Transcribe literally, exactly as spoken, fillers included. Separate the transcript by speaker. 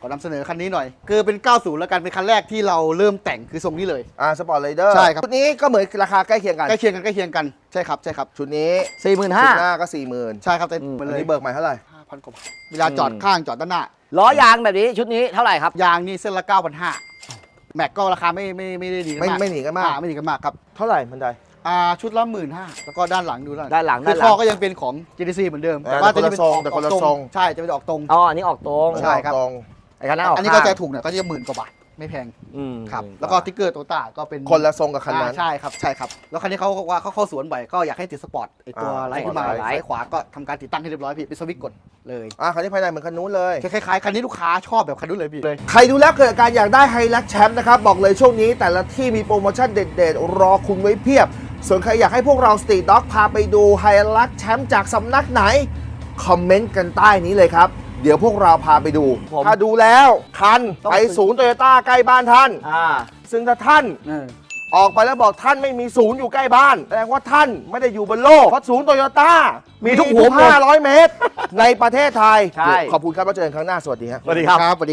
Speaker 1: อนำเสนอคันนี้หน่อยคือเป็นเก้าสิบแล้วกันเป็นคันแรกที่เราเริ่มแต่งคือทรงนี้เลย
Speaker 2: อ่าสปอร์ตไรเดอร์
Speaker 1: ใช่ครับ
Speaker 2: ชุดนี้ก็เหมือนราคาใกล้เคียงกัน
Speaker 1: ใกล้เคียงกันใกล้เคียงกันใช่ครับใช่ครับ
Speaker 2: ชุดนี้
Speaker 3: สี่หมื่น
Speaker 2: ชุ
Speaker 3: ห้า
Speaker 2: ดหน้าก็สี่หมื่น
Speaker 1: ใช่ครับแต่
Speaker 3: อืม
Speaker 1: มัน
Speaker 2: อัน
Speaker 1: เลย
Speaker 2: นี้เบิกใหม่เท่าไหร่
Speaker 1: ห้าพันกว่าบาทเวลาจอดข้างจอดด้านหน้า
Speaker 3: ล้อยางแบบนี้ชุดนี้เท่าไหร่ครับ
Speaker 1: ยางนี่เส้นละเก้าพันห้าแม็กก็ราคาไม่ไม่ไม่ได้ดีกัน
Speaker 2: ไม่
Speaker 1: มาก
Speaker 2: ไม่หนีกันมาก
Speaker 1: อ่ไม่หนีกันมากครับ
Speaker 2: เท่าไหร่มันได
Speaker 1: อ่าชุดละหมื่นห้าแล้วก็ด้านหลังดูด้าน
Speaker 3: ด้านหลัง
Speaker 1: คือ
Speaker 3: ด้านหลั
Speaker 1: ท่
Speaker 3: ง
Speaker 1: อก็ยังเป็นของ จี ดี ซี เหมือนเดิม
Speaker 2: เออ
Speaker 1: ว่าจะ
Speaker 2: แต่คนละ
Speaker 1: เป็น
Speaker 2: ทรง
Speaker 1: ออก
Speaker 2: แต่คนละ
Speaker 1: ออก
Speaker 2: ทรง
Speaker 1: ใช่จะเป็นออกตรง
Speaker 3: อ๋ออันนี้ออกตรง
Speaker 1: ใช่ครับ
Speaker 2: ตรง
Speaker 3: ไอ้คันนั้นออก
Speaker 1: อันนี้ก็
Speaker 3: ข้าง
Speaker 1: จะถูกหน่อยก็จะหมื่นกว่าบาทไม่แพง
Speaker 3: อืม
Speaker 1: ครับแล้วก็ติ๊กเกอร์โตต้าก็เป็น
Speaker 2: คนละทรงกับคันนั้น
Speaker 1: อ่าใช่ครับใช่ครับแล้วคันนี้เขาบอกว่าเขาเข้าสวนบ่อยก็อยากให้ติดสปอร์ตไอตัว
Speaker 2: อ่า
Speaker 1: ไลท์ขึ้นมา
Speaker 2: สปอร์ตไลท์
Speaker 1: ซ้ายขวาก็ทำการติดตั้งให้เรียบร้อยพี่เป็นสวิตช์กดเลย
Speaker 2: อ่าคันนี้ภายในเหมือนคันนู้นเลย
Speaker 1: คล้ายๆคันนี้ลูกค้าชอบแบบคันนู้นเลยพี่เลย
Speaker 2: ใครดูแล้วเกิดอาการอยากได้ไฮลักแชมป์นะครับ บอกเลยช่วงนี้แต่ละที่มีโปรโมชั่นเด็ดๆ รอคุณไว้เพียบ ส่วนใครอยากให้พวกเราสตรีทด็อกพาไปดูไฮลักแชมป์จากสำนักไหน คอมเมนต์กันใต้นี้เลยครับ เดี๋ยวพวกเราพาไปดู
Speaker 3: ผม
Speaker 2: ถ้าดูแล้วคันไปศูนย์โตโยต้าใกล้บ้านท่าน
Speaker 3: อ่า
Speaker 2: ซึ่งถ้าท่าน
Speaker 1: เออ
Speaker 2: ออกไปแล้วบอกท่านไม่มีศูนย์อยู่ใกล้บ้านแสดงว่าท่านไม่ได้อยู่บนโลกเพราะศูนย์โตโยต้ามี
Speaker 3: มีทุ
Speaker 2: ทุก
Speaker 3: กหัวมุม
Speaker 2: ห้าร้อยเมตร ในประเทศไทย
Speaker 3: ใช่
Speaker 2: ขอบคุณครับแล้วเจอกันครั้งหน้าสวัสดีครับ
Speaker 3: สวัสดีครับ
Speaker 1: ครับสวัสดี